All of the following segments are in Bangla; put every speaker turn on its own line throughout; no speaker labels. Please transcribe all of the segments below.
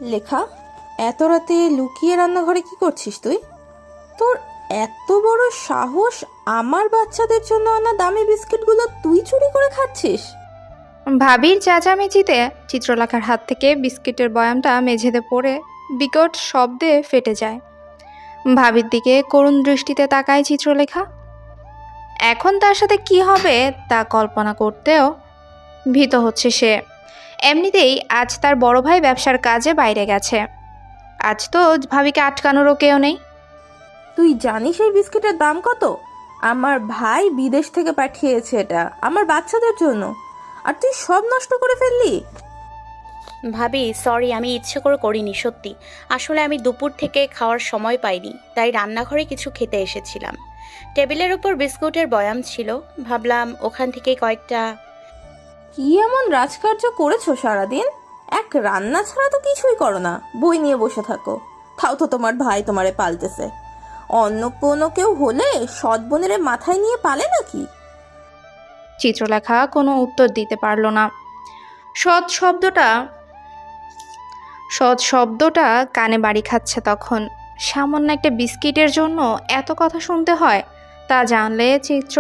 লেখা, এত রাতে লুকিয়ে রান্নাঘরে কি করছিস তুই? তোর এত বড় সাহস আমার বাচ্চাদের জন্য আনা দামি বিস্কিটগুলো তুই চুরি করে খাচ্ছিস?
ভাবির চেঁচামেচিতে চিত্রলেখার হাত থেকে বিস্কিটের বয়ামটা মেঝেতে পড়ে বিকট শব্দে ফেটে যায়। ভাবির দিকে করুণ দৃষ্টিতে তাকায় চিত্রলেখা। এখন তার সাথে কি হবে তা কল্পনা করতেও ভীত হচ্ছে সে। এমনিতেই আজ তার বড় ভাই ব্যবসার কাজে বাইরে গেছে। আজ তো ভাবিকে আটকানোরও কেউ নেই।
তুই জানিস এই বিস্কিটের দাম কত? আমার ভাই বিদেশ থেকে পাঠিয়েছে এটা আমার বাচ্চাদের জন্য, আর তুই সব নষ্ট করে ফেললি।
ভাবি সরি, আমি ইচ্ছে করে করিনি সত্যি। আসলে আমি দুপুর থেকে খাওয়ার সময় পাইনি, তাই রান্নাঘরে কিছু খেতে এসেছিলাম। টেবিলের উপর বিস্কুটের বয়াম ছিল, ভাবলাম ওখান থেকে কয়েকটা।
কি এমন রাজকার্য করেছো সারাদিন? এক রান্না ছাড়া তো কিছুই করো না, বই নিয়ে বসে থাকো। তাও তো তোমার ভাই তোমারে পালতেছে। অন্য কোনো কেউ হলে সৎ বোনের মাথায় নিয়ে পালে নাকি?
চিত্রলেখা কোনো উত্তর দিতে পারল না। সৎ শব্দটা কানে বাড়ি খাচ্ছে তখন। সামান্য একটা বিস্কিটের জন্য এত কথা শুনতে হয় তা জানলে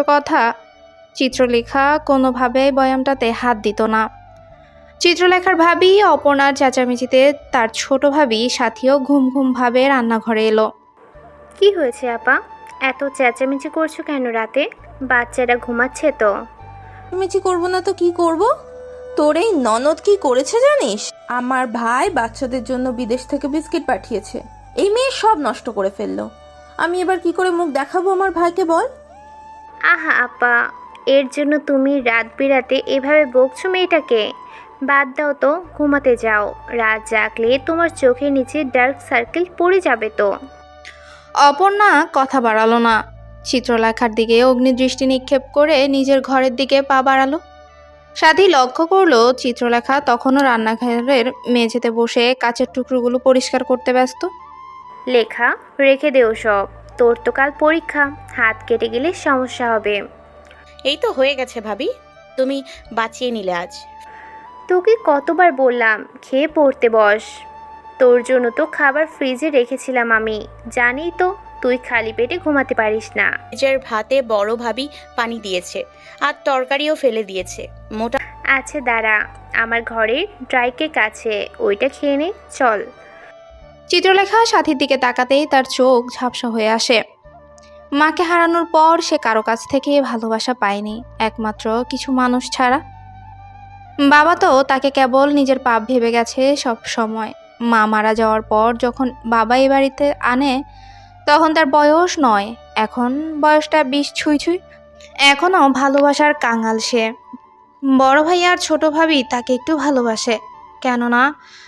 চিত্রলেখা কোনোভাবেই বয়ামটাতে হাত দিত না। চিত্রলেখার ভাবি অপর্ণার চেঁচামেচিতে তার ছোট ভাবি সাথীও ঘুম ঘুম ভাবে রান্নাঘরে এলো।
কি হয়েছে আপা? এত চেঁচামেচি করছো কেন রাতে? বাচ্চারা ঘুমাচ্ছে তো।
মিচি করবো না তো কি করব? তোর এই ননদ কি করেছে জানিস? আমার ভাই বাচ্চাদের জন্য বিদেশ থেকে বিস্কিট পাঠিয়েছে, এই মেয়ে সব নষ্ট করে ফেললো। আমি এবার কি করে মুখ দেখাবো আমার ভাইকে বল?
আহা আপা, এর জন্য তুমি রাত বিরাতে এভাবে বকছো মেয়েটাকে? বাদ দাও তো, ঘুমাতে যাও। রাত জাগলে তোমার চোখের নিচে ডার্ক সার্কেল পড়ে যাবে তো।
অপর্ণা কথা বাড়ালো না। চিত্রলেখার দিকে অগ্নিদৃষ্টি নিক্ষেপ করে নিজের ঘরের দিকে পা বাড়ালো। সাথী লক্ষ্য করলো চিত্রলেখা তখনও রান্নাঘরের মেঝেতে বসে কাচের টুকরোগুলো পরিষ্কার করতে ব্যস্ত।
লেখা, রেখে দেও সব। তোর তো কাল পরীক্ষা, হাত কেটে গেলে সমস্যা হবে।
এই তো হয়ে গেছে ভাবি, তুমি বাঁচিয়ে নিলে আজ।
তোকে কতবার বললাম খেয়ে পড়তে বস। তোর জন্য তো খাবার ফ্রিজে রেখেছিলাম আমি, জানি তো তুই খালি পেটে ঘুমাতে পারিস না।
নিজের ভাতে বড় ভাবি পানি দিয়েছে, আর তরকারিও ফেলে দিয়েছে। মোটা
আচ্ছা দাঁড়া, আমার ঘরের ড্রাই কেক আছে, ওইটা খেয়ে নে চল।
চিত্রলেখা সাথীর দিকে তাকাতেই তার চোখ ঝাপসা হয়ে আসে। মাকে হারানোর পর সে কারো কাছ থেকে ভালোবাসা পায়নি, একমাত্র কিছু মানুষ ছাড়া। বাবা তো তাকে কেবল নিজের পাপ ভেবে গেছে সব সময়। মা মারা যাওয়ার পর যখন বাবা এই বাড়িতে আনে তখন তার বয়স ৯, এখন বয়সটা ২০ ছুঁই ছুঁই। এখনও ভালোবাসার কাঙাল সে। বড় ভাই আর ছোট ভাবি তাকে একটু ভালোবাসে, কেননা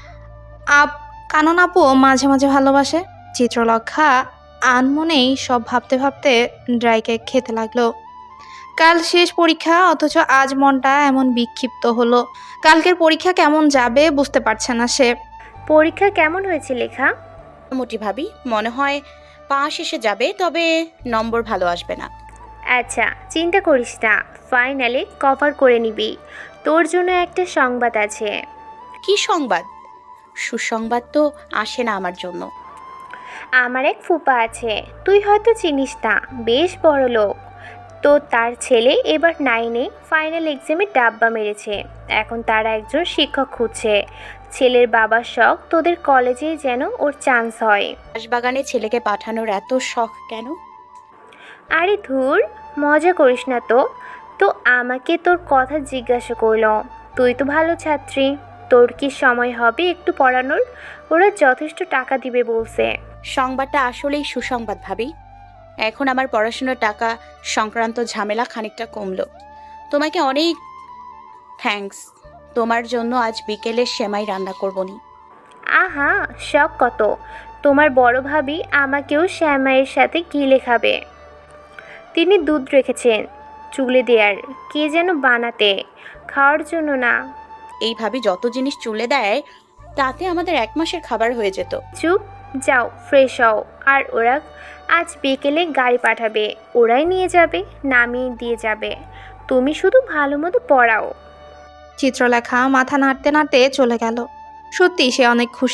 কানন আপুও মাঝে মাঝে ভালোবাসে। চিত্রলেখা আনমনেই সব ভাবতে ভাবতে ড্রাই কেক খেতে লাগলো। কাল শেষ পরীক্ষা, অথচ আজ মনটা এমন বিক্ষিপ্ত হলো। কালকের পরীক্ষা কেমন যাবে বুঝতে পারছে না সে।
পরীক্ষা কেমন হয়েছে লেখা?
মোটি ভাবি, মনে হয় পাশ এসে যাবে, তবে নম্বর ভালো আসবে না।
আচ্ছা চিন্তা করিস না, ফাইনালে কভার করে নিবি। তোর জন্য একটা সংবাদ আছে।
কি সংবাদ? সুসংবাদ তো আসে না আমার জন্য।
আমার এক ফুপা আছে, তুই হয়তো চিনিস না, বেশ বড় লোক। তো তার ছেলে এবার 9-এ ফাইনাল এক্সামে ডাব্বা মেরেছে। এখন তারা একজন শিক্ষক খুঁজছে। ছেলের বাবার শখ তোদের কলেজে যেন ওর চান্স হয়।
বাগানে ছেলেকে পাঠানোর এত শখ কেন?
আরে ধুর, মজা করিস না তো। তো আমাকে তোর কথা জিজ্ঞাসা করলো। তুই তো ভালো ছাত্রী, তোর কি সময় হবে একটু পড়ানোর? ওরা যথেষ্ট টাকা দিবে বলছে।
সংবাদটা আসলেই সুসংবাদ ভাবি। এখন আমার পড়াশোনার টাকা সংক্রান্ত ঝামেলা খানিকটা কমলো। তোমাকে অনেক থ্যাঙ্কস। তোমার জন্য আজ বিকেলে সেমাই রান্না করবনি।
আহা, শখ কত! তোমার বড় ভাবি আমাকেও শ্যামাইয়ের সাথে গিলে খাবে। তিনি দুধ রেখেছেন চুলে দেয়ার, কে যেন বানাতে, খাওয়ার জন্য না।
এই ভাবি যত জিনিস চুলে দেয় তাতে আমাদের 1 মাসের খাবার হয়ে যেত।
চুপ, যাও ফ্রেশ হও। আর ওরা আজ বিকেলে গাড়ি পাঠাবে, ওরাই নিয়ে যাবে, নামিয়ে দিয়ে যাবে। তুমি শুধু ভালো মতো পড়াও।
চিত্রলেখা মাথা নাড়তে নাড়তে চলে গেল। সত্যি সে অনেক খুশি।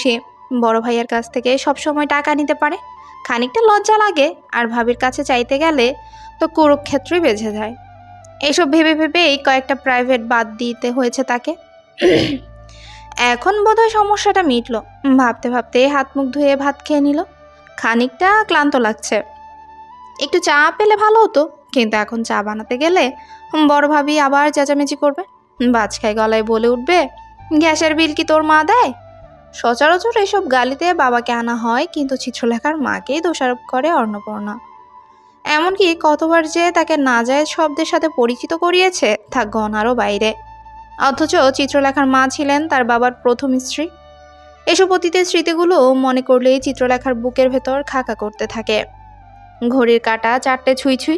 বড় ভাইয়ের কাছ থেকে সবসময় টাকা নিতে পারে, খানিকটা লজ্জা লাগে, আর ভাবির কাছে চাইতে গেলে তো কুরুক্ষেত্রই বেঁধে যায়। এসব ভেবে ভেবেই কয়েকটা প্রাইভেট বাদ দিতে হয়েছে তাকে। এখন বোধহয় সমস্যাটা মিটলো। ভাবতে ভাবতে হাত মুখ ধুয়ে ভাত খেয়ে নিল। খানিকটা ক্লান্ত লাগছে, একটু চা পেলে ভালো হতো, কিন্তু এখন চা বানাতে গেলে বড় ভাবি আবার চেঁচামেচি করবে, বাজখায় গলায় বলে উঠবে, গ্যাসের বিল কি তোর মা দেয়? সচরাচর এসব গালিতে বাবাকে আনা হয়, কিন্তু চিত্রলেখার মাকেই দোষারোপ করে অর্ণপূর্ণা। এমনকি কতবার যে তাকে নাজায়েজ শব্দের সাথে পরিচিত করিয়েছে তা গণারও বাইরে। অথচ চিত্রলেখার মা ছিলেন তার বাবার প্রথম স্ত্রী। এসব অতীতের স্মৃতিগুলো মনে করলেই চিত্রলেখার বুকের ভেতর খাকা করতে থাকে। ঘড়ির কাঁটা 4টে ছুঁই ছুঁই।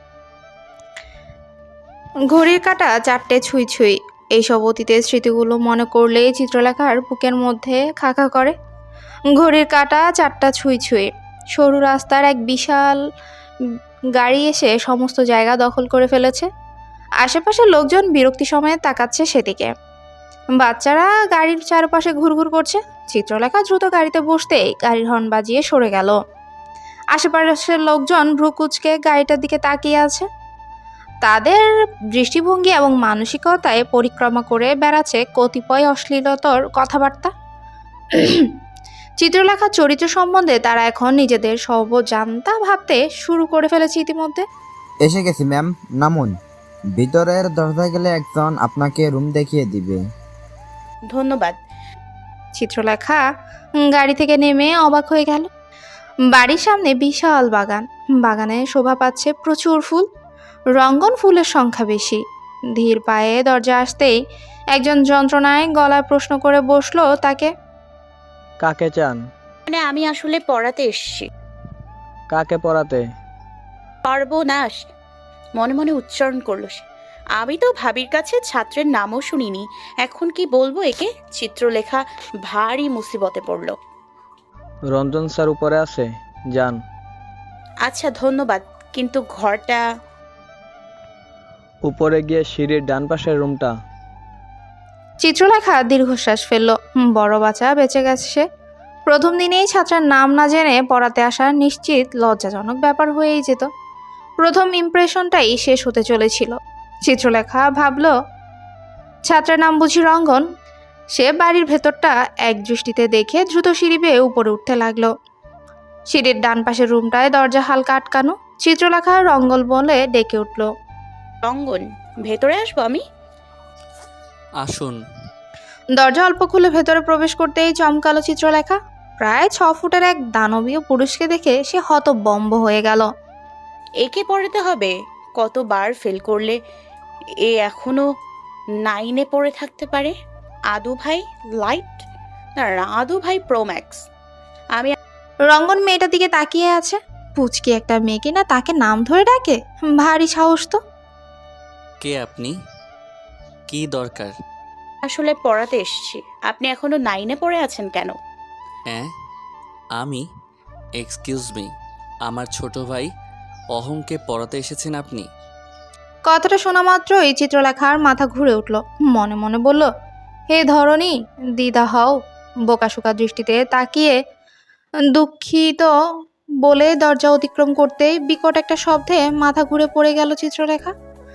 ঘড়ির কাঁটা 4টে ছুঁই ছুঁই। এইসব অতীতের স্মৃতিগুলো মনে করলেই চিত্রলেখার বুকের মধ্যে খাকা করে। ঘড়ির কাঁটা 4টা ছুঁই ছুঁই। সরু রাস্তার এক বিশাল গাড়ি এসে সমস্ত জায়গা দখল করে ফেলেছে। আশেপাশের লোকজন বিরক্তি সময়ে তাকাচ্ছে সেদিকে। বাচ্চারা গাড়ির চারপাশে ঘুরঘুর করছে। চিত্রলেখা দ্রুত গাড়িতে বসতেই গাড়ির হর্ন বাজিয়ে সরে গেল। আশেপাশের লোকজন ভ্রুকুচকে গাড়িটার দিকে তাকিয়ে আছে। তাদের দৃষ্টিভঙ্গি এবং মানসিকতায় পরিক্রমা করে বেড়াচ্ছে কতিপয় অশ্লীলতর কথাবার্তা। চিত্রলেখার চরিত্র সম্বন্ধে তারা এখন নিজেদের সর্বজান্তা ভাবতে শুরু করে ফেলেছে ইতিমধ্যে।
এসে গেছি ম্যাম, নামুন। ভিতরের দরজায় গেলে একজন আপনাকে রুম দেখিয়ে দিবে।
ধন্যবাদ।
চিত্রলেখা গাড়ি থেকে নেমে অবাক হয়ে গেল। বাড়ির সামনে বিশাল বাগান, বাগানে শোভা পাচ্ছে প্রচুর ফুল, রঙ্গন ফুলের সংখ্যা বেশি। ধীর পায়ে দরজা আসতেই একজন যন্ত্রণায় গলায় প্রশ্ন করে বসলো তাকে।
কাকে চান?
মানে আমি আসলে পড়াতে এসেছি।
কাকে পড়াতে?
সর্বনাশ, মনে মনে উচ্চারণ করলো সে। আমি তো ভাবির কাছে ছাত্রের নামও শুনিনি, এখন কি বলবো একে? চিত্রলেখা ভারী মুসিবতে পড়ল।
রঞ্জন স্যার উপরে আছে, যান।
আচ্ছা ধন্যবাদ, কিন্তু ঘরটা?
উপরে গিয়ে সিঁড়ির ডান পাশের রুমটা।
চিত্রলেখা দীর্ঘশ্বাস ফেলল। বড় বাচ্চা বেঁচে গেছে সে। প্রথম দিনেই ছাত্রের নাম না জেনে পড়াতে আসা নিশ্চিত লজ্জাজনক ব্যাপার হয়েই যেত। প্রথম ইমপ্রেশনটাই শেষ হতে চলেছিল। চিত্রলেখা ভাবল, ছাত্রের নাম বুঝি রঙ্গন। সে বাড়ির ভেতরটা এক দৃষ্টিতে দেখে দ্রুত সিঁড়ি বেয়ে উপরে উঠতে লাগলো। সিঁড়ির ডান পাশের রুমটায় দরজা হালকা আটকানো। চিত্রলেখা রঙ্গন বলে ডেকে উঠল।
রঙ্গন, ভেতরে আসবো আমি?
আসুন।
দরজা অল্প খুলে ভেতরে প্রবেশ করতেই চমকালো চিত্রলেখা। প্রায় 6 ফুটের এক দানবীয় পুরুষকে দেখে সে হতবম্ব হয়ে গেল।
একে পড়াতে হবে? কতবার ফেল করলে এ এখনো 9-এ পড়ে থাকতে পারে? আদু ভাই লাইট, না আদু ভাই প্রোম্যাক্স। আমি
রঙ্গন মেয়েটার দিকে তাকিয়ে আছে। পুচকি একটা মেয়েকে না তাকে নাম ধরে ডাকে, ভারী সাহস তো।
কে আপনি? কি দরকার?
আসলে পড়াতে এসেছি। আপনি এখনো 9-এ পড়ে আছেন কেন?
হ্যাঁ আমি? এক্সকিউজ মি, আমার ছোট ভাই অহংকে পড়াতে এসেছেন আপনি?
কথাটা শোনা মাত্রই চিত্রলেখার মাথা ঘুরে উঠল। মনে মনে বলল, হে ধরনী, দ্বিধা হও। বোকাশোকা দৃষ্টিতে তাকিয়ে দুঃখিত বলে দরজা অতিক্রম করতেই বিকট একটা শব্দে মাথা ঘুরে পড়ে গেল চিত্রলেখা।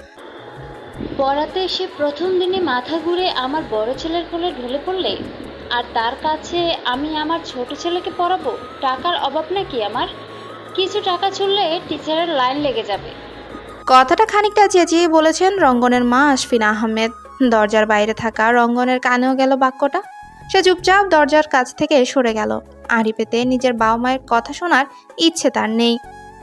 পড়াতে এসে প্রথম দিনে মাথা ঘুরে আমার বড় ছেলের কোলে ঢলে পড়লে, আর তার কাছে আমি আমার ছোট ছেলেকে পড়াবো? টাকার অভাব নাকি আমার? কিছু টাকা ছুড়লে টিচারের লাইন লেগে যাবে।
কথাটা খানিকটা চেঁচিয়ে বলেছেন রঙ্গনের মা আশফিনা আহমেদ। দরজার বাইরে থাকা রঙ্গনের কানেও গেল বাক্যটা। সে চুপচাপ দরজার কাছ থেকে সরে গেল। আড়ি পেতে নিজের বাবা মায়ের কথা শোনার ইচ্ছে তার নেই।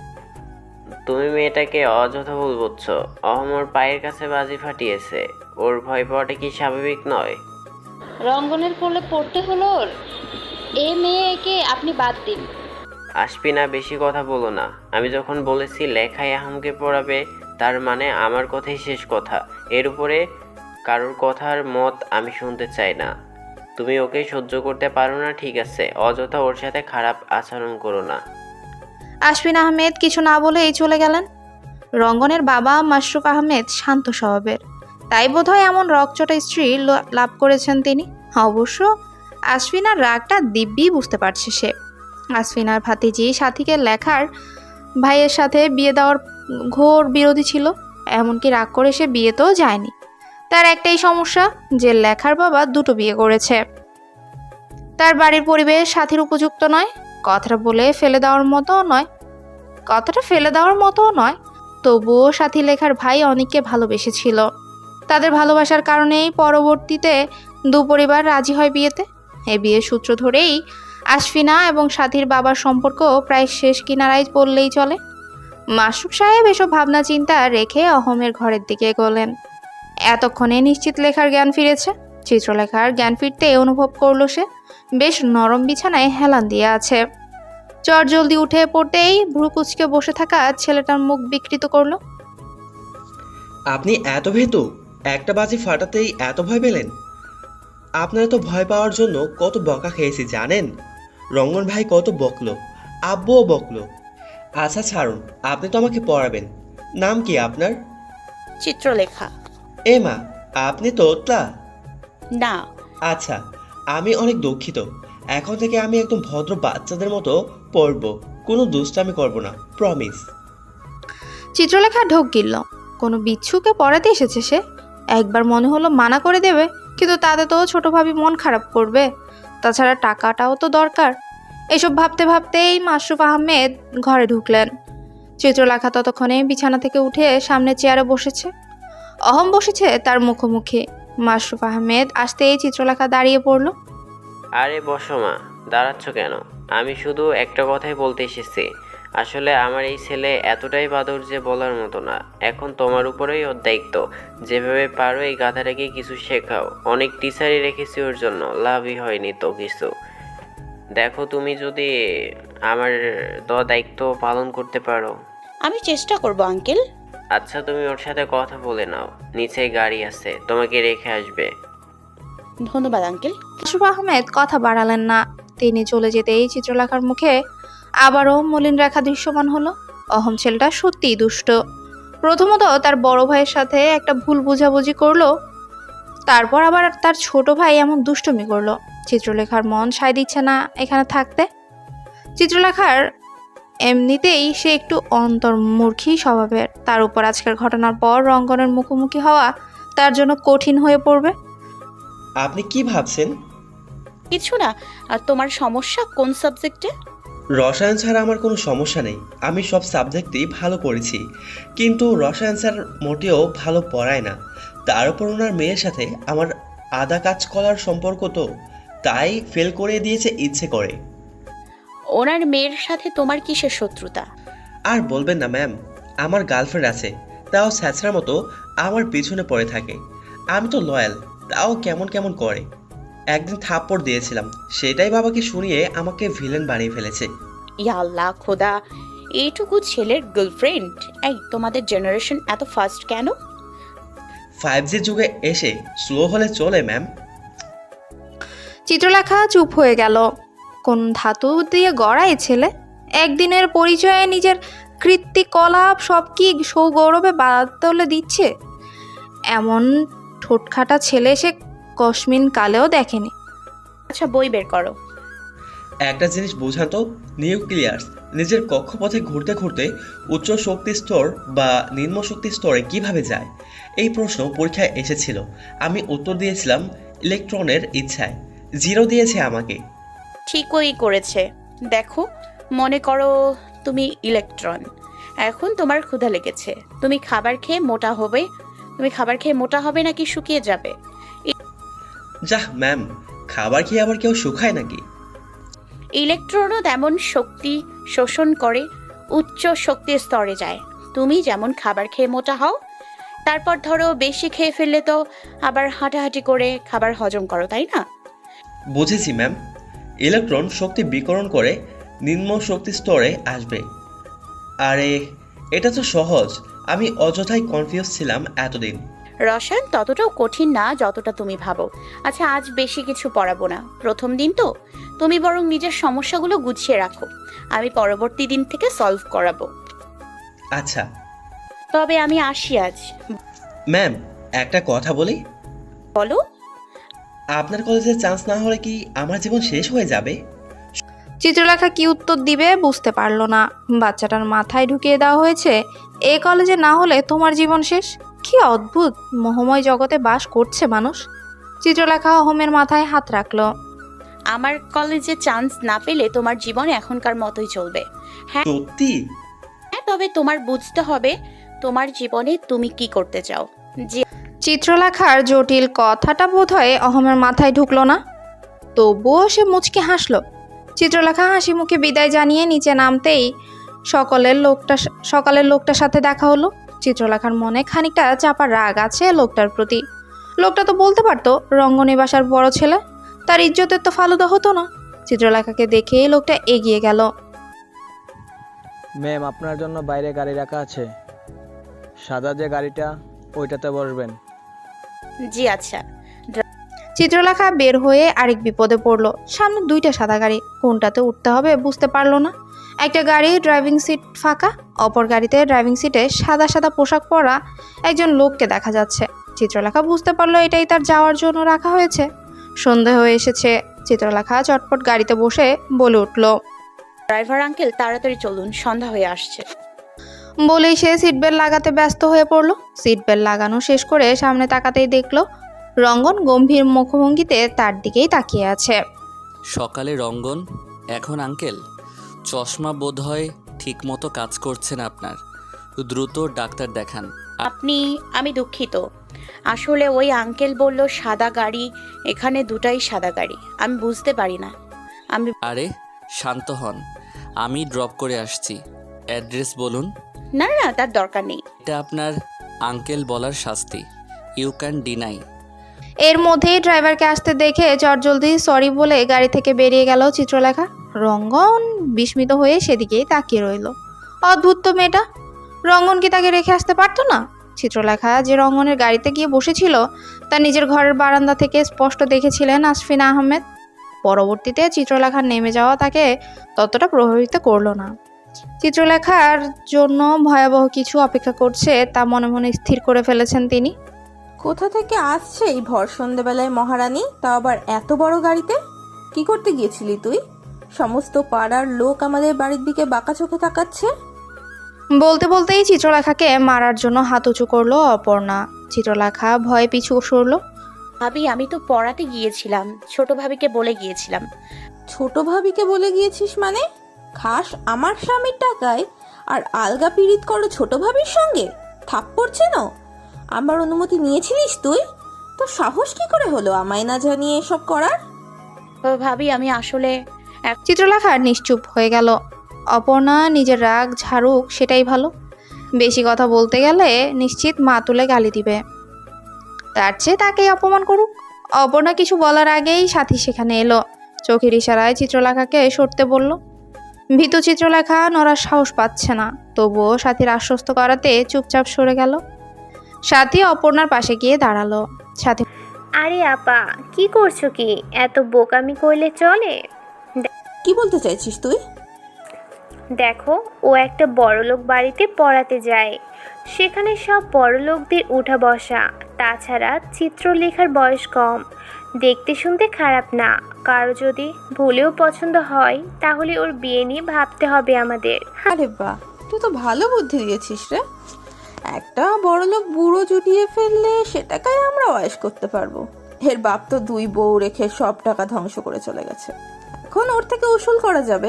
তুমি মেয়েটাকে অযথা ভুল বুঝছো। অহমর পায়ের কাছে বাজি ফাটিয়েছে, ওর ভয় পাওয়াটা কি স্বাভাবিক নয়?
রঙ্গনের কোলে পড়তে হলো ওর? এ মেয়েকে আপনি বাদ দিন।
আশপিনা, বেশি কথা বলো না। আমি যখন বলেছি লেখায় আহমকে পড়াবে, তার মানে আমার কথাই শেষ কথা। এর উপরে কারোর কথার মত আমি শুনতে চাই না। তুমি ওকে সহ্য করতে পারো না, ঠিক আছে, অযথা ওর সাথে খারাপ আচরণ করো না।
আশফিন আহমেদ কিছু না বলেই চলে গেলেন। রঙ্গনের বাবা মাশরুফ আহমেদ শান্ত স্বভাবের, তাই বোধহয় এমন রকচটা স্ত্রী লাভ করেছেন তিনি। অবশ্য আশফিনার রাগটা দিব্যি বুঝতে পারছে সে। আশফিনার ভাতিজি সাথীকে লেখার ভাইয়ের সাথে বিয়ে দেওয়ার ঘোর বিরোধী ছিল, এমনকি রাগ করে সে বিয়েতেও যায়নি। তার একটাই সমস্যা যে লেখার বাবা দুটো বিয়ে করেছে। তার বাড়ির পরিবেশ সাথীর উপযুক্ত নয়, কথাটা ফেলে দেওয়ার মতো নয়। তবুও সাথী লেখার ভাই অনেককে ভালোবেসেছিল। তাদের ভালোবাসার কারণেই পরবর্তীতে দু পরিবার রাজি হয় বিয়েতে। এই বিয়ের সূত্র ধরেই আশফিনা এবং সাথীর বাবার সম্পর্ক প্রায় শেষ কিনারায় বললেই চলে। মাসুক সাহেব এসব ভাবনা চিন্তা রেখে অহমের ঘরের দিকে এগোলেন। এতক্ষণে নিশ্চিত লেখার জ্ঞান ফিরেছে। চিত্রলেখার জ্ঞান ফিরতে অনুভব করলো সে বেশ নরম বিছানায় হেলান দিয়ে আছে। চট জলদি উঠে পড়তেই ভ্রু কুচকে বসে থাকা ছেলেটার মুখ বিকৃত করলো।
আপনি এত ভীতু? একটা বাজি ফাটাতেই এত ভয় পেলেন? আপনারা তো ভয় পাওয়ার জন্য কত বকা খেয়েছি জানেন? রঙ্গন ভাই কত বকলো, আব্বুও বকলো। আচ্ছা ছাড়ুন, আপনি তো আমাকে পড়াবেন। নাম কি আপনার?
চিত্রলেখা।
এ মা, আপনি তোতলা?
না।
আচ্ছা, আমি অনেক দুঃখিত। এখন থেকে আমি একদম ভদ্র বাচ্চাদের মতো পড়বো, কোনো দুষ্টামি করব না, প্রমিস।
চিত্রলেখা ঢোক গিলল। কোনো বিচ্ছুকে পড়াতে এসেছে সে। একবার মনে হলো মানা করে দেবে, কিন্তু তাতে তো ছোট ভাবি মন খারাপ করবে। তাছাড়া টাকাটাও তো দরকার। এসব ভাবতে ভাবতেই মাশরুফ আহমেদ ঘরে ঢুকলেন। চিত্রলেখা ততক্ষণে বিছানা থেকে উঠে সামনে চেয়ারে বসেছে। অহম বসেছে তার মুখোমুখি। মাশরুফ আহমেদ আসতেই চিত্রলেখা দাঁড়িয়ে পড়ল।
আরে বসো মা, দাঁড়াচ্ছ কেন? আমি শুধু একটা কথাই বলতে এসেছি। আসলে আমার এই ছেলে এতটাই বাদর যে বলার মতো না। এখন তোমার উপরেই ওর দায়িত্ব। যেভাবে পারো এই গাধাটাকে কিছু শেখাও। অনেক টিচারই রেখেছি ওর জন্য, লাভই হয়নি তো কিছু। দেখো তুমি যদি আমার দেওয়া দায়িত্ব পালন করতে পারো।
আমি চেষ্টা করব আঙ্কেল।
আচ্ছা, তুমি ওর সাথে কথা বলে নাও, নিচে গাড়ি আছে, তোমাকে রেখে আসবে।
ধন্যবাদ আঙ্কেল।
মাশরুফ আহমেদ কথা বাড়ালেন না। তিনি চলে যেতেই চিত্রলেখার মুখে আবারও মলিন রেখা দৃশ্যমান হলো। অহম ছেলেটা সত্যিই দুষ্ট। প্রথমত তার বড় ভাইয়ের সাথে একটা ভুল বোঝাবুঝি করলো, তারপর আবার তার ছোট ভাই এমন দুষ্টুমি করলো। চিত্রলেখার মন সায় দিচ্ছে না এখানে থাকতে। চিত্রলেখার এমনিতেই সে একটু অন্তর্মুখী স্বভাবের, তার উপর আজকের ঘটনার পর রঙ্গনের মুখোমুখি হওয়া তার জন্য কঠিন হয়ে পড়বে।
আপনি কি ভাবছেন?
কিছু না। আর তোমার সমস্যা কোন সাবজেক্টে?
রসায়ন ছাড়া আমার কোনো সমস্যা নেই, আমি সব সাবজেক্টই ভালো করেছি। কিন্তু রসায়ন স্যার মোটেও ভালো পড়ায় না। তার উপর ওনার মেয়ের সাথে আমার আধা কাজ করার সম্পর্ক, তো তাই ফেল করে দিয়েছে ইচ্ছে করে।
ওনার মেয়ের সাথে তোমার কিসের শত্রুতা?
আর বলবেন না ম্যাম, আমার গার্লফ্রেন্ড আছে, তাও স্যাঁচড়ার মতো আমার পিছনে পড়ে থাকে। আমি তো লয়াল, তাও কেমন কেমন করে। একদিন থাপ্পড় দিয়েছিলাম, সেটাই বাবাকে শুনিয়ে আমাকে ভিলেন বানিয়ে ফেলেছে।
ইয়া আল্লাহ খোদা, এইটুকু ছেলের গার্লফ্রেন্ড! এই তোমাদের জেনারেশন এত ফাস্ট কেন?
5G যুগে এসে স্লো হলে চলে ম্যাম।
চিত্রলেখা চুপ হয়ে গেল। কোন ধাতু দিয়ে গড়া এ ছেলে? একদিনের পরিচয়ে নিজের কৃত্তিকলাপ সব কি সৌগৌরবে বাদলে দিচ্ছে? এমন ঠোঁটখাটা ছেলে সে কসমিন কালেও দেখেনি।
আচ্ছা, বই বের করো।
একটা জিনিস বোঝান তো, নিউক্লিয়াস নিজের কক্ষপথে ঘুরতে ঘুরতে উচ্চ শক্তি স্তর বা নিম্ন শক্তি স্তরে কিভাবে যায়? এই প্রশ্ন পরীক্ষায় এসেছিল। আমি উত্তর দিয়েছিলাম ইলেকট্রনের ইচ্ছায়। 0 দিয়েছে আমাকে।
ঠিকই করেছে। দেখো, মনে করো তুমি ইলেকট্রন। এখন তোমার ক্ষুধা লেগেছে। তুমি খাবার খেয়ে মোটা হবে নাকি শুকিয়ে যাবে?
যাহ ম্যাম, খাবার খেয়ে আবার কেউ শুকায় নাকি?
ইলেকট্রনও তেমন শক্তি শোষণ করে উচ্চ শক্তির স্তরে যায়। তুমি যেমন খাবার খেয়ে মোটা হও, তারপর ধরো বেশি খেয়ে ফেললে তো আবার হাঁটাহাঁটি করে খাবার হজম করো, তাই না?
বুঝেছি ম্যাম। ইলেকট্রন শক্তি বিকরণ করে নিম্ন শক্তি স্তরে আসবে। আরে এটা তো সহজ, আমি অযথাই কনফিউজ ছিলাম এতদিন।
রসায়ন ততটাও কঠিন না যতটা তুমি ভাবো। আচ্ছা, আজ বেশি কিছু পড়াবো না, প্রথম দিন তো। তুমি বরং নিজের সমস্যাগুলো গুছিয়ে রাখো, আমি পরবর্তী দিন থেকে সলভ করাবো।
আচ্ছা
তবে আমি আসি আজ।
ম্যাম, একটা কথা বলি।
বলো।
আপনার কলেজে চান্স না হলে কি আমার জীবন শেষ হয়ে যাবে?
চিত্রলেখা কি উত্তর দিবে বুঝতে পারলো না। বাচ্চাটার মাথায় ঢুকিয়ে দেওয়া হয়েছে এই কলেজে না হলে তোমার জীবন শেষ। কি অদ্ভুত মোহময় জগতে বাস করছে মানুষ। চিত্রলেখা অহমের মাথায় হাত রাখলো।
আমার কলেজে চান্স না পেলে তোমার জীবন এখনকার মতোই চলবে।
সত্যি?
হ্যাঁ, তবে তোমার বুঝতে হবে তোমার জীবনে তুমি কি করতে চাও। যে
চিত্রলেখার জটিল কথাটা বোধহয় অহমের মাথায় ঢুকলো না, তবুও সে মুচকে হাসলো। চিত্রলেখা হাসি মুখে বিদায় জানিয়ে নিচে নামতেই সকালের লোকটার সাথে দেখা হলো। চিত্রলেখার মনে খানিকটা চাপা রাগ আছে লোকটার প্রতি। লোকটা তো বলতে পারতো রঙ্গনী বাসার বড় ছেলে, তার ইজ্জতের তো ফালুদা হতো না। চিত্রলেখাকে দেখে লোকটা এগিয়ে গেল।
ম্যাম, আপনার জন্য বাইরে গাড়ি রাখা আছে, সাদা যে গাড়িটা ওইটাতে বসবেন।
জি আচ্ছা।
চিত্রলেখা বের হয়ে আরেক বিপদে পড়লো। সামনে দুইটা সাদা গাড়ি, কোনটাতে উঠতে হবে বুঝতে পারলো না। একটা গাড়ি ড্রাইভিং সিট ফাঁকা, অপর গাড়িতে ড্রাইভিং সিটে সাদা সাদা পোশাক পরা একজন লোককে দেখা যাচ্ছে। চিত্রলেখা বুঝতে পারলো এটাই তার যাওয়ার জন্য রাখা হয়েছে। সন্ধে হয়ে এসেছে। চিত্রলেখা চটপট গাড়িতে বসে বলে উঠল,
ড্রাইভার আঙ্কেল তাড়াতাড়ি চলুন, সন্ধ্যা হয়ে আসছে।
বলেই সে সিট বেল্ট লাগাতে ব্যস্ত হয়ে পড়লো। সিট বেল্ট লাগানো শেষ করে সামনে তাকাতেই দেখলো রঙ্গন গম্ভীর মুখভঙ্গিতে তার দিকেই তাকিয়ে আছে।
সকালে রঙ্গন, এখন আঙ্কেল চশমা বোধহয় ঠিক মতো কাজ করছে না আপনার, দ্রুত ডাক্তার দেখান।
আমি দুঃখিত, আসলে ওই আঙ্কেল বলল সাদা গাড়ি, এখানে দুটাই সাদা গাড়ি, আমি বুঝতে পারি না।
আরে শান্ত হন, আমি ড্রপ করে আসছি। অ্যাড্রেস বলুন।
না না, তার দরকার নেই।
এটা আপনার আঙ্কেল বলার শাস্তি, ইউ ক্যান ডিনাই।
এর মধ্যেই ড্রাইভারকে আসতে দেখে চটজলদি সরি বলে গাড়ি থেকে বেরিয়ে গেল চিত্রলেখা। রঙ্গন বিস্মিত হয়ে সেদিকেই তাকিয়ে রইল। অদ্ভুত তো মেয়েটা, রঙ্গন কি তাকে রেখে আসতে পারতো না? চিত্রলেখা যে রঙ্গনের গাড়িতে গিয়ে বসেছিল তা নিজের ঘরের বারান্দা থেকে স্পষ্ট দেখেছিলেন আশফিনা আহমেদ। পরবর্তীতে চিত্রলেখার নেমে যাওয়া তাকে ততটা প্রভাবিত করলো না। চিত্রলেখার জন্য ভয়াবহ কিছু অপেক্ষা করছে তা মনে মনে স্থির করে ফেলেছেন তিনি।
কোথা থেকে আসছে এই ভর সন্ধ্যেবেলায় মহারানী, তাও আবার এত বড় গাড়িতে? কি করতে গিয়েছিলি তুই? সমস্ত পাড়ার লোক আমাদের বাড়ির দিকে বাঁকা চোখে তাকাচ্ছে।
বলতে বলতেই চিত্রলেখাকে মারার জন্য হাত উঁচু করলো অপর্ণা। চিত্রলেখা ভয়ে পিছু সরলো।
ভাবি, আমি তো পড়াতে গিয়েছিলাম, ছোট ভাবিকে বলে গিয়েছিলাম।
ছোট ভাবিকে বলে গিয়েছিস মানে? খাস আমার স্বামীর টাকায় আর আলগা পীড়িত করো ছোট ভাবির সঙ্গে? থাপ্পড় চেন? আমার অনুমতি নিয়েছিলিস তুই? তোর সাহস কি করে হলো আমায় না জানিয়ে এসব করার?
ভাবি, আমি আসলে
চিত্রলেখা নিশ্চুপ হয়ে গেল। অপর্ণা নিজের রাগ ঝাড়ুক সেটাই ভালো। বেশি কথা বলতে গেলে নিশ্চিত মা তুলে গালি দিবে, তার চেয়ে তাকেই অপমান করুক। অপর্ণা কিছু বলার আগেই সাথী সেখানে এলো। চোখের ইশারায় চিত্রলেখাকে সরতে বলল। ভীতু চিত্রলেখা নড়ার সাহস পাচ্ছে না, তবুও সাথীর আশ্বস্ত করাতে চুপচাপ সরে গেল। সাথী অপর্ণার পাশে গিয়ে দাঁড়ালো। সাথী,
আরে আপা, কি করছো কি? এত বোকামি করলে চলে?
কি বলতে চাইছিস তুই?
দেখো, ও একটা বড়লোক বাড়িতে পড়াতে যায়, সেখানে সব বড়লোকদের উঠা বসা। তাছাড়া চিত্রলেখার বয়স কম, দেখতে শুনতে খারাপ না। কারো যদি ভুলেও পছন্দ হয় তাহলে ওর বিয়ে নিয়ে ভাবতে হবে আমাদের।
আরে বাহ, তুই তো ভালো বুদ্ধি দিয়েছিস রে। একটা বড়লোক বুড়ো জুটিয়ে ফেললে সেটাকেই আমরা ওয়াশ করতে পারবো। এর বাপ তো 2 বউ রেখে সব টাকা ধ্বংস করে চলে গেছে, এখন ওর থেকে উসুল করা যাবে।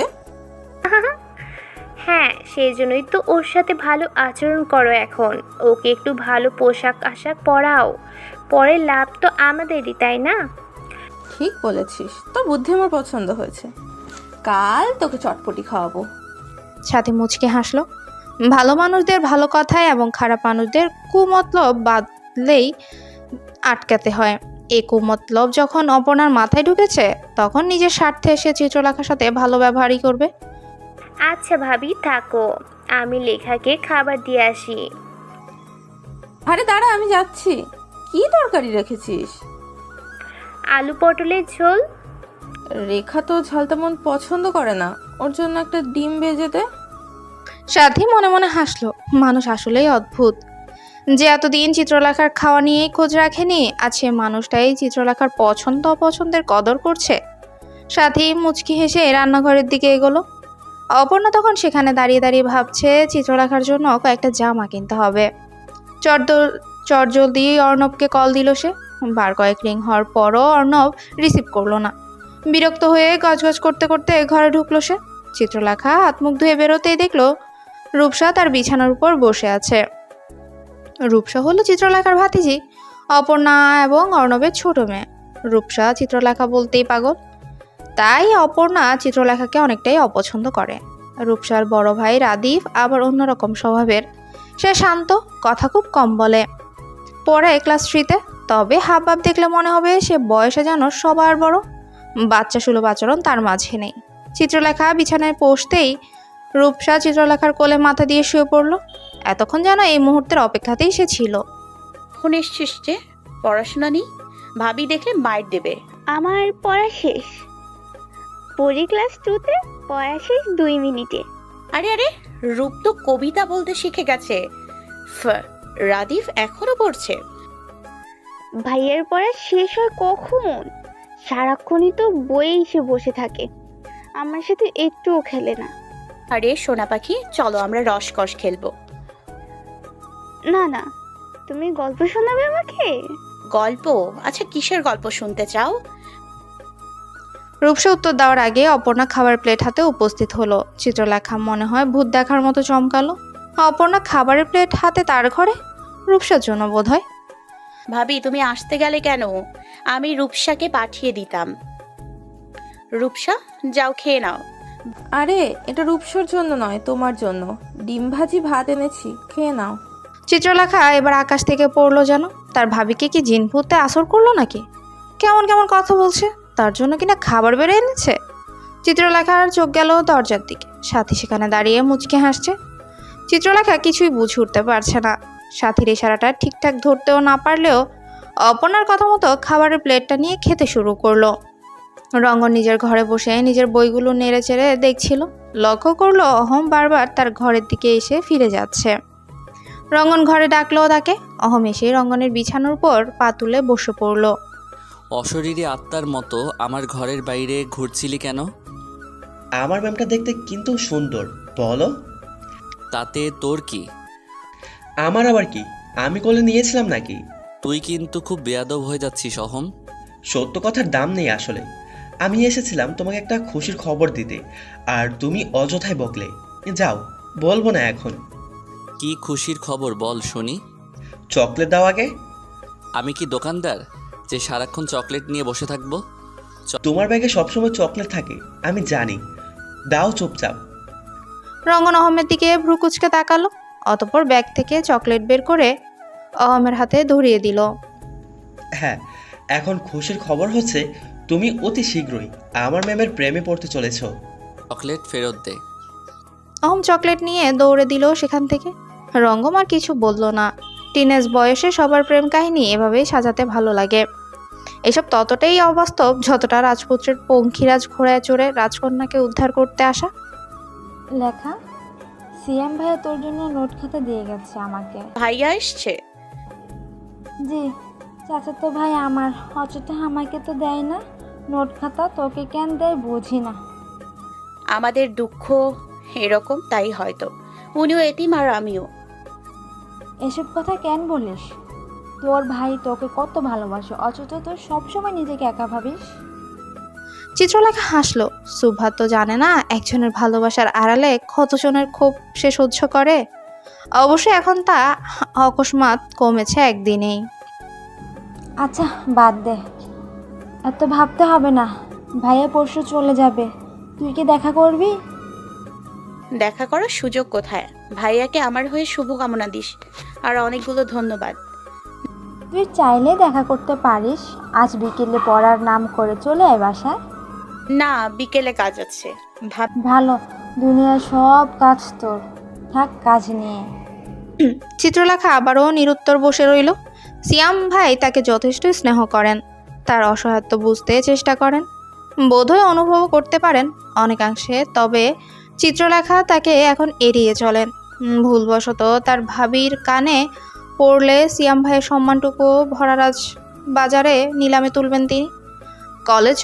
হ্যাঁ, সেই জন্যই তো ওর সাথে ভালো আচরণ করো এখন। ওকে একটু ভালো পোশাক আশাক পরাও, পরে লাভ তো আমাদেরই, তাই না?
ঠিক বলেছিস, তোর বুদ্ধি আমার পছন্দ হয়েছে। কাল তোকে চটপটি খাওয়াবো।
সাথী মুচকে হাসলো। ভালো মানুষদের ভালো কথায় এবং খারাপ মানুষদের কুমতলব বাদলেই আটকাতে হয়। এই কুমতলব যখন অপর্ণার মাথায় ঢুকেছে তখন নিজের স্বার্থে সে চিত্রলেখার সাথে ভালো ব্যবহারই করবে।
আচ্ছা ভাবি, থাকো, আমি লেখাকে খাবার দিয়ে আসি।
আরে দাঁড়া, আমি যাচ্ছি। কি তরকারি রেখেছিস?
আলু পটলের ঝোল।
রেখা তো ঝাল তেমন পছন্দ করে না, ওর জন্য একটা ডিম ভেজে দে।
সাথী মনে মনে হাসলো। মানুষ আসলেই অদ্ভুত। যে এতদিন চিত্রলেখার খাওয়া নিয়েই খোঁজ রাখেনি, আজ সে মানুষটাই চিত্রলেখার পছন্দ অপছন্দের কদর করছে। সাথী মুচকি হেসে রান্নাঘরের দিকে এগোলো। অপর্ণা তখন সেখানে দাঁড়িয়ে দাঁড়িয়ে ভাবছে চিত্রলেখার জন্য কয়েকটা জামা কিনতে হবে। চটজলদি অর্ণবকে কল দিল সে। বার কয়েক রিং হওয়ার পরও অর্ণব রিসিভ করলো না। বিরক্ত হয়ে গজগজ করতে করতে ঘরে ঢুকলো সে। চিত্রলেখা হাত মুখ ধুয়ে বেরোতেই দেখলো রূপসা তার বিছানার উপর বসে আছে। রূপসা হলো চিত্রলেখার ভাতিজি, অপর্ণা এবং অর্ণবের ছোট মেয়ে। রূপসা চিত্রলেখা বলতেই পাগল, তাই অপর্ণা চিত্রলেখাকে অনেকটাই অপছন্দ করে। রূপসার বড় ভাই রাদীপ আবার অন্যরকম স্বভাবের। সে শান্ত, কথা খুব কম বলে, পড়ে ক্লাস 3-তে। তবে হাবভাব দেখলে মনে হবে সে বয়সে যেন সবার বড়। বাচ্চা সুলভ আচরণ তার মাঝে নেই। চিত্রলেখা বিছানায় বসতেই রূপসা চিত্রলেখার কোলে মাথা দিয়ে শুয়ে পড়ল। এতক্ষণ যেন এই মুহূর্তের অপেক্ষাতেই সে ছিল।
এখন এসছিস যে, পড়াশোনা নেই? ভাবি দেখলে মাইর দেবে।
আমার পড়া শেষ। পড়ি ক্লাস 2-তে, পড়া শেষ 2 মিনিটে।
আরে আরে, রূপ তো কবিতা বলতে শিখে গেছে। রাদীপ এখনো পড়ছে?
ভাইয়ের পড়া শেষ হয় কখন? সারাক্ষণই তো বইয়ে এসে বসে থাকে, আমার সাথে একটুও খেলে না।
আরে সোনা পাখি, চলো আমরা রসকস খেলবো।
না না, তুমি গল্প শোনাবে আমাকে?
গল্প? আচ্ছা, কিসের গল্প শুনতে চাও?
রূপসা উত্তর দেওয়ার আগে অপর্ণা খাবার প্লেট হাতে উপস্থিত হলো। চিত্রলেখা মনে হয় ভূত দেখার মতো চমকালো। অপর্ণা খাবারের প্লেট হাতে তার ঘরে, রূপসার জন্য বোধ হয়।
ভাবি তুমি আসতে গেলে কেন? আমি রূপসাকে পাঠিয়ে দিতাম। রূপসা, যাও খেয়ে নাও।
আরে এটা রূপসর জন্য নয়, তোমার জন্য। ডিম ভাজি ভাত এনেছি, খেয়ে নাও।
চিত্রলেখা এবার আকাশ থেকে পড়লো যেন। তার ভাবিকে কি জিন ভূতে আসর করলো নাকি? কেমন কেমন কথা বলছে, তার জন্য কিনা খাবার বেড়ে এনেছে। চিত্রলেখার চোখ গেল দরজার দিকে। সাথী সেখানে দাঁড়িয়ে মুচকে হাসছে। চিত্রলেখা কিছুই বুঝে উঠতে পারছে না। সাথীর ইশারাটা ঠিকঠাক ধরতেও না পারলেও অপর্ণার কথা মতো খাবারের প্লেটটা নিয়ে খেতে শুরু করলো। রঙ্গন নিজের ঘরে বসে নিজের বইগুলো নেড়ে চেড়ে দেখছিল। লক্ষ্য করলো অহম বারবার তার ঘরের দিকে এসে ফিরে যাচ্ছে। রঙ্গন ঘরে ডাকলো তাকে। অহম এসে রঙ্গনের বিছানার উপর পা তুলে বসে পড়ল।
অশরীরী আত্মার মতো আমার ঘরের বাইরে ঘুরছিলি কেন?
আমার ম্যামটা দেখতে কিন্তু সুন্দর, বলো।
তাতে তোর কি?
আমার আবার কি, আমি কোলে নিয়েছিলাম নাকি?
তুই কিন্তু খুব বেয়াদব হয়ে যাচ্ছিস অহম।
সত্য কথার দাম নেই আসলে। আমি এসেছিলাম তোমাকে একটা খুশির খবর দিতে, আর তুমি অযথাই বকলে। যাও, বলবো না এখন।
কি খুশির খবর বল শুনি।
চকলেট দাও আগে।
আমি কি দোকানদার যে সারাক্ষণ চকলেট নিয়ে বসে থাকবো?
তোমার ব্যাগে সবসময় চকলেট থাকে, আমি জানি। দাও চুপচাপ।
রঙ্গন অহমের দিকে ভ্রু কুচকে তাকালো। অতঃপর ব্যাগ থেকে চকলেট বের করে অহমের হাতে ধরিয়ে দিল।
হ্যাঁ, এখন খুশির খবর হচ্ছে তুমি অতি শীঘ্রই আমার ম্যামের প্রেমে পড়তে চলেছ।
চকলেট ফেরত দে।
অহম চকলেট নিয়ে দৌড়ে দিল সেখান থেকে। রঙ্গম আর কিছু বলল না। টিনেজ বয়সে সবার প্রেম কাহিনী এভাবেই সাজাতে ভালো লাগে। এসব ততটাই অবাস্তব যতটা রাজপুত্রের পঙ্খিরাজ ঘোড়ায় চড়ে রাজকন্যাকে উদ্ধার করতে আসা।
লেখা, সিএম ভাইয়া তোর জন্য নোট খাতা দিয়ে গেছে আমাকে।
ভাইয়া এসছে?
জি, চাচাতো ভাই আমার, অথচ আমাকে তো দেয় না নোট খাতা। তোকে কেন দেয় বুঝি না।
আমাদের দুঃখ এরকম, তাই হয়তো। উনিও এতিম আর আমিও।
এসব কথা কেন বলিস? তোর ভাই তোকে কত ভালোবাসে, অথচ তোর সবসময় নিজেকে একা ভাবিস।
চিত্রলেখা হাসলো। সুভা তো জানে না একজনের ভালোবাসার আড়ালে কতজনের ক্ষোভ সে সহ্য করে। অবশ্য এখন তা অকস্মাৎ কমেছে একদিনেই।
আচ্ছা বাদ দে, এত ভাবতে হবে না। ভাইয়া পরশু চলে যাবে, তুই কি দেখা করবি?
দেখা করার সুযোগ কোথায়? ভাইয়াকে আমার হয়ে শুভকামনা দিস, আর অনেকগুলো ধন্যবাদ।
তুই চাইলে দেখা করতে পারিস। আজ বিকেলে পড়ার নাম করে চলে আয় বাসায়।
না, বিকেলে কাজ আছে।
ভালো, দুনিয়ার সব কাজ তোর, থাক কাজ নিয়ে।
চিত্রলেখা আবারও নিরুত্তর বসে রইল। সিয়াম ভাই তাকে যথেষ্ট স্নেহ করেন, তার অসহায়ত্ব বুঝতে চেষ্টা করেন, বোধহয় অনুভব করতে পারেন অনেকাংশে। তবে চিত্রলেখা তাকে এখন এড়িয়ে চলেন। ভুলবশত তার ভাবির কানে পড়লে সিয়াম ভাইয়ের সম্মানটুকু ভরারাজ বাজারে নিলামে তুলবেন তিনি। কলেজ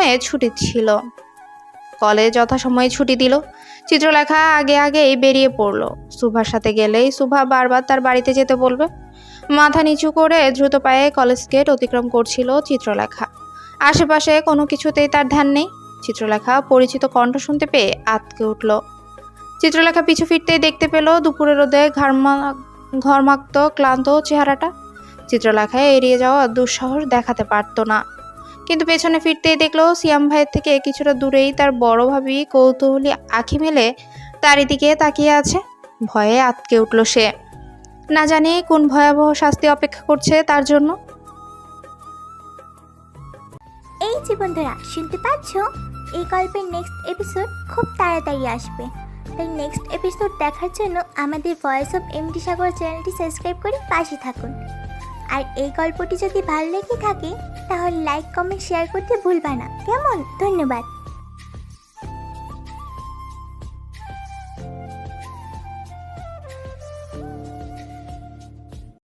যথাসময়ে ছুটি দিল। চিত্রলেখা আগেই বেরিয়ে পড়লো। সুভার সাথে গেলেই সুভা বারবার তার বাড়িতে যেতে বলবে। মাথা নিচু করে দ্রুত পায়ে কলেজ গেট অতিক্রম করছিল চিত্রলেখা। আশেপাশে কোনো কিছুতেই তার ধ্যান নেই। চিত্রলেখা পরিচিত কণ্ঠ শুনতে পেয়ে আঁতকে উঠল। চিত্রলেখা পিছু ফিরতেই দেখতে পেল দুপুরের রোদে ঘর্মাক্ত ক্লান্ত চেহারাটা। চিত্রলেখা এড়িয়ে যাওয়া দুঃসাহস দেখাতে পারত না, কিন্তু পেছনে ফিরতেই দেখলো সিয়াম ভাইয়ের থেকে কিছুটা দূরেই তার বড় ভাবি কৌতূহলী আঁখি মেলে তারই দিকে তাকিয়ে আছে। ভয়ে আঁতকে উঠল সে। না জানি কোন ভয়াবহ শাস্তি অপেক্ষা করছে তার জন্য।
এই যে বন্ধুরা, শুনতে পাচ্ছ? এই গল্পের নেক্সট এপিসোড খুব তাড়াতাড়ি আসবে, তাই নেক্সট এপিসোড দেখার জন্য আমাদের ভয়েস অফ এমডি সাগর চ্যানেলটি সাবস্ক্রাইব করে পাশে থাকুন। আর এই গল্পটি যদি ভালো লেগে থাকে তাহলে লাইক, কমেন্ট, শেয়ার করতে ভুলবা না, কেমন? ধন্যবাদ।